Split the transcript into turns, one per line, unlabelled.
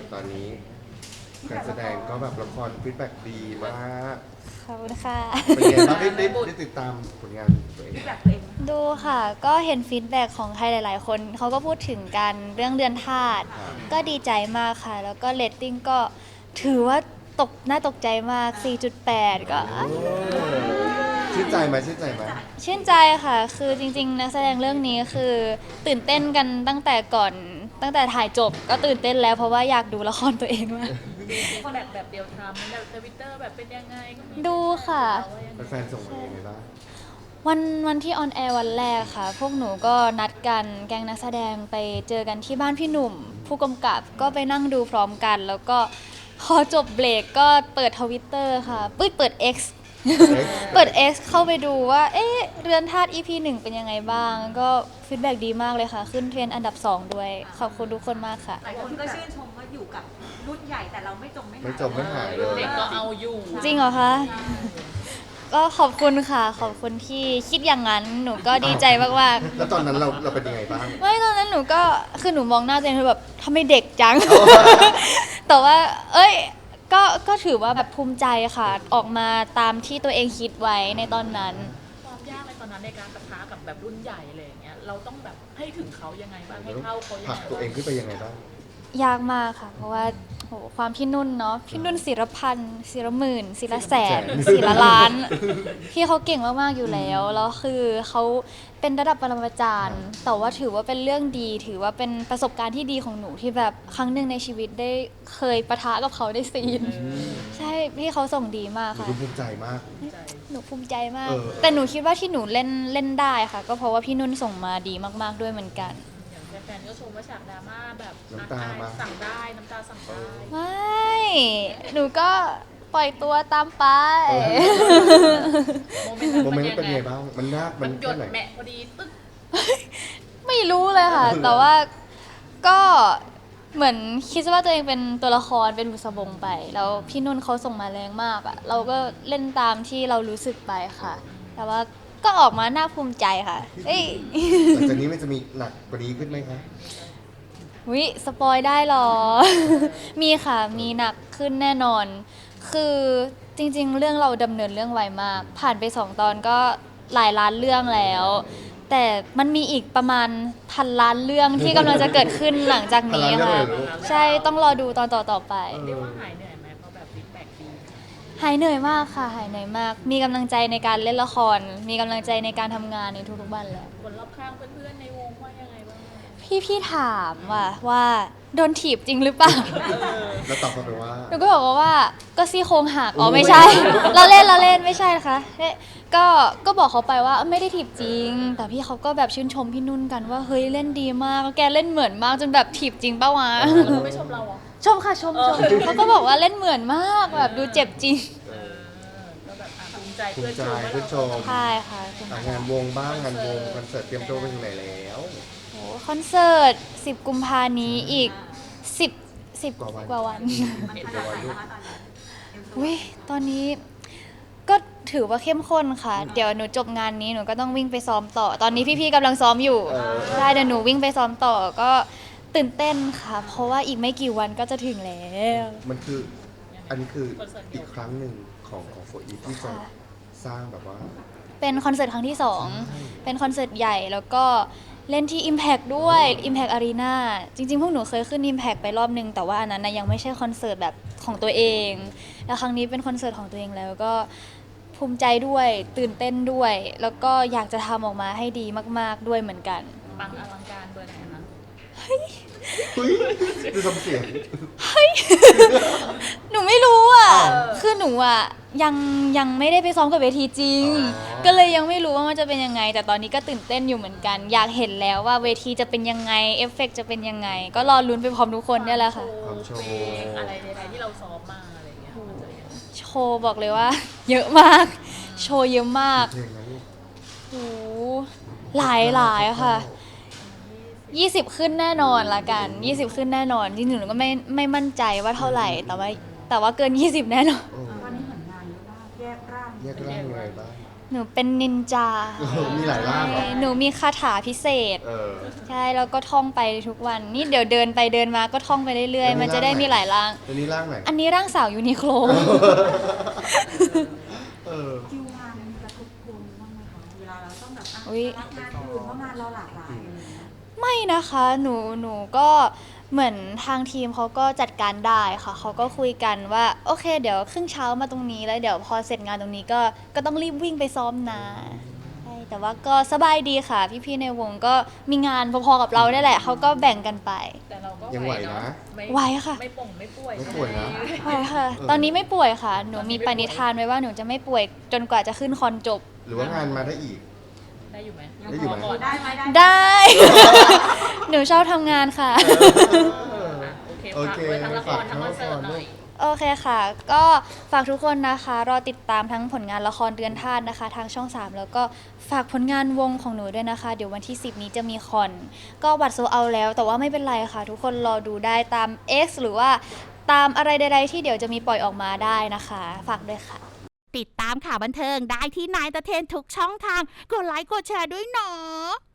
ตอนนี้การแสดงก็แบบละครฟีดแบ็กดีมาก
ขอบคุณค่ะ
เป็นไงบ้างได้ติดตามผลงานตัวเอง
แบบตัวเอง
ดูค่ะ ก็เห็นฟีดแบ็กของใครหลายๆ คนเขาก็พูดถึงกันเรื่องเรือนธาตุก็ดีใจมากค่ะ แล้วก็เรตติ้งก็ถือว่าน่าตกใจมาก 4.8 ก็
ชื่นใจไหมชื่นใจไหม
ชื่นใจค่ะ คือจริงๆนักแสดงเรื่องนี้คือตื่นเต้นกันตั้งแต่ถ่ายจบก็ตื่นเต้นแล้วเพราะว่าอยากดูละครตัวเองมาก
แบบเดียวทำแบบทวิตเตอร์แบบเป็นยังไงก็มี
ดูค่ะ
แฟนๆส่งมายังไงบ้าง
วันที่ออนแอร์วันแรกค่ะ พวกหนูก็นัดกันแก๊งนักแสดงไปเจอกันที่บ้านพี่หนุ่ม ผู้กำกับก็ไปนั่งดูพร้อมกัน แล้วก็พอจบเบรกก็เปิดทวิตเตอร์ค่ะเปิด X เปิด X เข้าไปดูว่าเอ๊ะเรือนธาตุ EP 1 เป็นยังไงบ้าง ก็ฟีดแบ็กดีมากเลยค่ะ ขึ้นเทรนด์อันดับ 2 ด้วย ขอบคุณทุกคนมากค่ะ
หลายคนก็ชื่นชมว่าอยู่กับรุ่นใหญ่แต่เราไม่จมไม่หาย
ไม่จมไม่หายเลย
เด็กก็เอาอยู่
จริงเหรอคะ ก็ขอบคุณค่ะ ขอบคุณที่คิดอย่างนั้น หนูก็ดีใจมากๆ
แล้วตอนนั้นเราเป็นยังไงบ้าง
ไม่ตอนนั้นหนูก็คือหนูมองหน้าตัวเองคือแบบทำไมเด็กจัง แต่ว่า เอ้ยก็ถือว่าแบบภูมิใจค่ะ ออกมาตามที่ตัวเองคิดไว้ในตอนนั้น
ความยากในตอนนั้นในการปะทะกับแบบรุ่นใหญ่อะไรอย่างเงี้ยเราต้องแบบให้ถึงเขายังไงบ้างให้เท่าเขายัง
ผลัก
ไง
ตัวเองขึ้นไปยังไงบ้าง
ยากมากค่ะ เพราะว่าโหความพี่นุ่นเนาะพี่นุ่นศิรพันธ์ศิรหมื่นศิรแสนศิรล้าน พี่เขาเก่งมากๆอยู่แล้วแล้วคือเขาเป็นระดับปรมาจารย์แต่ว่าถือว่าเป็นเรื่องดี ถือว่าเป็นประสบการณ์ที่ดีของหนูที่แบบครั้งหนึ่งในชีวิตได้เคยปะทะกับเขาได้ซีน ใช่พี่เขาส่งดีมาก
หนู
ค่ะ
ดูภูมิใจมาก
หนูภูมิใจมาก
เออ
แต่หนูคิดว่าที่หนูเล่นได้ค่ะ ก็เพราะว่าพี่นุ่นส่งมาดีมากๆด้วยเหมือนกัน
อย่างแฟนๆก็ชมว่าฉากดราม่าแบบ
น้ำตามา
สั่งได้น้ำตาสั่งได้
ไม่หนูก็ปล่อยตัวตามไป
โมเมนต์
โมเมนต์
มั
เป็นยังไงบ้าง มันยาก
มั
มัน น
หย
แค่
ด
ไหน
แมะพอดีตึ๊ก
ไม่รู้เลยค่ะ แต่ว่าก็เหมือนคิดว่าตัวเองเป็นตัวละครเป็นบุษบงไป แล้วพี่นุ่นเขาส่งมาแรงมากอะเราก็เล่นตามที่เรารู้สึกไปค่ะ แต่ว่าก็ออกมาน่าภูมิใจค่ะเอ้ย
หลังจากนี้มันจะมีหนักกว่านี้ขึ้นไหมคะ
วิสปอยได้เหรอ มีค่ะ มีหนักขึ้นแน่นอน คือจริงๆ เรื่องเราดำเนินเรื่องไวมาก ผ่านไป2 ตอนก็หลายล้านเรื่องแล้ว แต่มันมีอีกประมาณพันล้านเรื่องที่กำลังจะเกิดขึ้นหลังจากนี้
พันล้านเรื่
ค่ะ
องเลยเหรอ
ใช่ต้องรอดูตอนต่อๆไป
เรียกว่าหายเหนื่อยไหมเพราะแบบฟีดแบ็กดี
หายเหนื่อยมากค่ะ หายเหนื่อยมาก มีกำลังใจในการเล่นละคร มีกำลังใจในการทำงานในทุกๆวันแล้ว
คนรอบข้างเพื่อนๆในวงว่ายังไงบ้าง
พี่ถามว่าโดนถีบจริงหรือเปล่า
แล้วตอบกลับไปว่า
หนูก็บอกว่าก็ซี่โครงหักอ๋อไม่ใช่ เราเล่นไม่ใช่นะคะเฮ้ยก็บอกเขาไปว่าไม่ได้ถีบจริง แต่พี่เขาก็แบบชื่นชมพี่นุ่นกันว่าเฮ้ยเล่นดีมากแกเล่นเหมือนมากจนแบบถีบจริงปะวะ
เขาไม่ชมเราเหรอ
ชมค่ะชมเขาก็บอกว่าเล่นเหมือนมากแบบดูเจ็บจริง
ก็แบบภูมิใจ
ภู
เพื่อ
มิ
น
ใจ
ชมว่า
เพื่อนช
เรา
ม
ใช่ค่ะคุณ
งานวงบ้างงานวงคอนเสิร์ตเตรียมตัวไปถึงไหนแล้ว
โอ้คอนเสิร์ต10 กุมภานี้อีก10กว่าวัน
เห็น
เดี๋ยว
ไหม
วันลูก
อุ้ยตอนนี้ก็ถือว่าเข้มข้นค่ะ เดี๋ยวหนูจบงานนี้หนูก็ต้องวิ่งไปซ้อมต่อ ตอนนี้พี่ๆกำลังซ้อมอยู่ใช่เดี๋ยวหนูวิ่งไปซ้อมต่อก็ตื่นเต้นค่ะ เพราะว่าอีกไม่กี่วันก็จะถึงแล้ว
มันคือ อันนี้คืออีกครั้งหนึ่งของโฟอีที่จะสร้างแบบว่า
เป็นคอนเสิร์ตครั้งที่ 2 เป็นคอนเสิร์ตใหญ่แล้วก็เล่นที่ Impact ด้วย Impact Arena จริงๆ พวกหนูเคยขึ้น Impact ไปรอบนึง แต่ว่าอันนั้นนะยังไม่ใช่คอนเสิร์ตแบบของตัวเอง แล้วครั้งนี้เป็นคอนเสิร์ตของตัวเองแล้วก็ภูมิใจด้วยตื่นเต้นด้วย แล้วก็อยากจะทำออกมาให้ดีมากๆด้วยเหมือนกัน
ปังอลังการเบอร์ไหนนะ
เฮ้ยดูทำเสียง
หนูไม่รู้อ่ะ
อ้าว
คือหนูอ่ะยังไม่ได้ไปซ้อมกับเวทีจริง
อ๋อ
ก็เลยยังไม่รู้ว่ามันจะเป็นยังไง แต่ตอนนี้ก็ตื่นเต้นอยู่เหมือนกัน อยากเห็นแล้วว่าเวทีจะเป็นยังไง เอฟเฟกต์จะเป็นยังไง ก็รอลุ้นไปพร้อมทุกคนเนี่ยแหละค่ะ
โชว์เพลงอะไรใดๆที่เราซ้อมมาอะไรอย่างเงี้ยมันจะยังไง
โชว์บอกเลยว่า เยอะมาก โชว์เยอะมาก
เพลงนั้นลูก
โอ้โหหลายค่ะ 20 ขึ้นแน่นอนละกัน 20 ขึ้นแน่นอน จริงๆหนูก็ไม่มั่นใจว่าเท่าไหร่ แต่ว่าเกิน 20 แน่นอน
โอ้
ตอนนี้เหมือนงานเยอะมากแยกร่าง
แยกร่างยังไงบ้าง
หนูเป็นนินจา
มีหลายร่างเหรอ
หนูมีคาถาพิเศษ
อ
ใช่แล้วก็ท่องไปทุกวัน นี่เดี๋ยวเดินไปเดินมาก็ท่องไปเรื่อยๆ มันจะได้มีหลายร่าง
ตัวนี้ร่างไหน
อันนี้ร่างสาวยูนิโคล
คิวงานมันกระทบคุณบ้างไหมคะเวลาเราต้องแบบอ่ะ
อุ๊ย
รับงานอื่นเพราะงานเราหลากหลายอะไรอย่างเงี้ย
ไม่นะคะหนูก็เหมือนทางทีมเขาก็จัดการได้ค่ะเขาก็คุยกันว่าโอเค เดี๋ยวครึ่งเช้ามาตรงนี้แล้วเดี๋ยวพอเสร็จงานตรงนี้ก็ต้องรีบวิ่งไปซ้อมนะใช่แต่ว่าก็สบายดีค่ะพี่ๆในวงก็มีงานพอๆกับเราได้แหละเขาก็แบ่งกันไป
แต่เราก็
ยัง
ไห
ไห
ว
ว
เนาะ
นะ
ไหวค่ะ
ไม่ป่งไม่ป่วย
ไม่ป่วยนะ
ใช่ค่ะ ตอนนี้ไม่ป่วยค่ะ หนูมีปณิธานไว้ว่าหนูจะไม่ป่วยจนกว่าจะขึ้นคอนจบ
หรือว่างานมาได้อีก
ได้อยู่ไหม
ได้อยู่ไหม
ก่อน
ได้ไหมได้
ได้ หนูชอบทำงานค่ะ
โอเคฝากด้วยทั้งละครทั้งคอนเสิร์ตหน่อย
โอเคค่ะ ก็ฝากทุกคนนะคะ รอติดตามทั้งผลงานละครเดือนธาตุนะคะ ทางช่อง 3 แล้วก็ฝากผลงานวงของหนูด้วยนะคะ เดี๋ยววันที่ 10 นี้จะมีคอน ก็บัตรโซเอาแล้ว แต่ว่าไม่เป็นไรค่ะ ทุกคนรอดูได้ตาม X หรือว่าตามอะไรใดๆที่เดี๋ยวจะมีปล่อยออกมาได้นะคะ ฝากด้วยค่ะ
ติดตามข่าวบันเทิงได้ที่นายตะเทนทุกช่องทาง กดไลค์กดแชร์ด้วยเนาะ